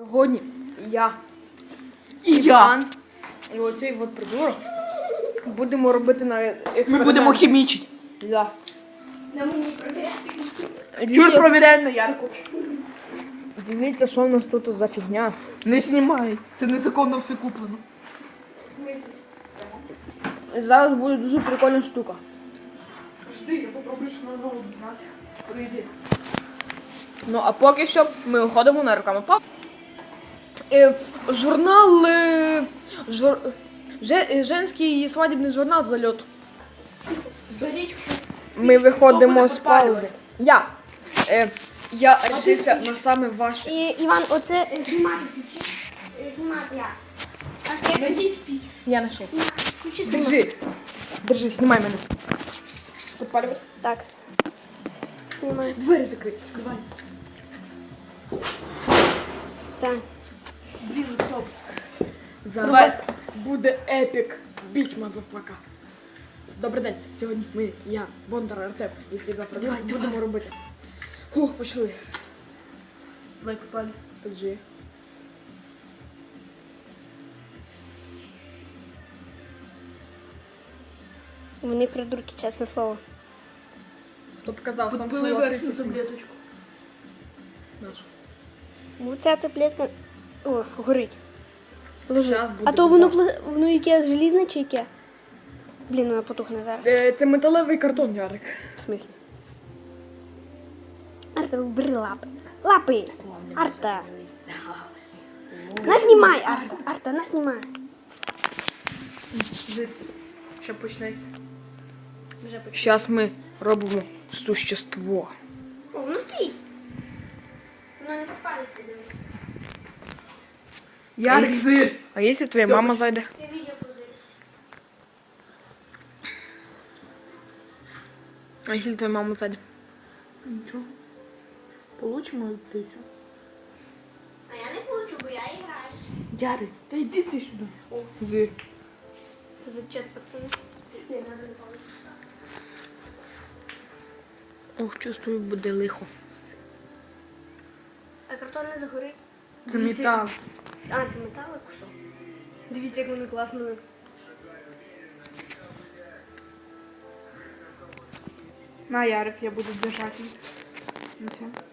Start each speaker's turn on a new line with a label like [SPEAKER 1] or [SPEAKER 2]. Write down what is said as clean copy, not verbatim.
[SPEAKER 1] Сьогодні я
[SPEAKER 2] І
[SPEAKER 1] Іван і оцей от придурок будемо робити на експеримент.
[SPEAKER 2] Ми будемо хімічити.
[SPEAKER 1] Да.
[SPEAKER 3] На мені провіряти.
[SPEAKER 2] Чур провіряємо на Ярку.
[SPEAKER 1] Дивіться, що в нас тут за фігня.
[SPEAKER 2] Не знімай. Це незаконно все куплено.
[SPEAKER 1] Зараз буде дуже прикольна штука.
[SPEAKER 2] Жди, я попробую що на голову знати. Прийди.
[SPEAKER 1] Ну, а поки що ми уходимо на руками. Журнал... Женський свадібний журнал «Зальот».
[SPEAKER 3] Беріть.
[SPEAKER 1] Ми виходимо
[SPEAKER 2] Хто
[SPEAKER 1] з
[SPEAKER 2] буде
[SPEAKER 1] паузи. Я рішився на саме ваше.
[SPEAKER 3] І, Іван, оце знімати. Знімати я. А ти
[SPEAKER 2] Найдіть спіч.
[SPEAKER 1] Я знайшов.
[SPEAKER 3] включи знімати.
[SPEAKER 1] Держи. Держи, знімай мене. Підпалювати.
[SPEAKER 3] Так. Знімаю.
[SPEAKER 1] Двері закриті. Відкривай.
[SPEAKER 3] Так.
[SPEAKER 2] Блін, стоп.
[SPEAKER 1] Зараз буде епік. Біч, мазафака. Добрий день. Сьогодні я, Бондар Артем, і ці два продукти будемо робити. Фух, пішли.
[SPEAKER 2] Давай попали.
[SPEAKER 1] Держи.
[SPEAKER 3] Вони придурки, чесне слово.
[SPEAKER 1] Хто показав, сам
[SPEAKER 2] Підпили верхню
[SPEAKER 1] согласився.
[SPEAKER 2] таблеточку.
[SPEAKER 1] Наш.
[SPEAKER 3] Ця таблетка. О, горить. Ложи.
[SPEAKER 1] Щас буде
[SPEAKER 3] А то воно,
[SPEAKER 1] бомба.
[SPEAKER 3] воно яке желізне чи яке? Блін, воно потухне зараз.
[SPEAKER 1] Це металевий картон, Ярик.
[SPEAKER 3] В смислі? Арта, бери лапи. Лапи! Арта! Нас знімай, Арта! Арта, нас знімай.
[SPEAKER 2] Жди. Ще почнеться.
[SPEAKER 3] Вже почали.
[SPEAKER 1] Зараз ми робимо существо.
[SPEAKER 3] О, воно стоїть. Воно не попалиться, дивись.
[SPEAKER 2] Ярик, зир.
[SPEAKER 1] А якщо твоя
[SPEAKER 2] Всё,
[SPEAKER 1] мама зайде?
[SPEAKER 3] Я відео подивлюсь.
[SPEAKER 1] А якщо твоя мама зайде?
[SPEAKER 2] Нічого. Получимо і все.
[SPEAKER 3] А я не получу, бо я граю.
[SPEAKER 2] Ярик, та йди ти сюди. О, зир.
[SPEAKER 3] Зачет, пацани. Не, надо не получится.
[SPEAKER 1] Ох, чувствую, буде лихо.
[SPEAKER 3] А картон не загорить?
[SPEAKER 2] Це метал.
[SPEAKER 3] А, це металик кусок. Дивіться, як вони класно.
[SPEAKER 2] На, Ярик, я буду держати. Оце.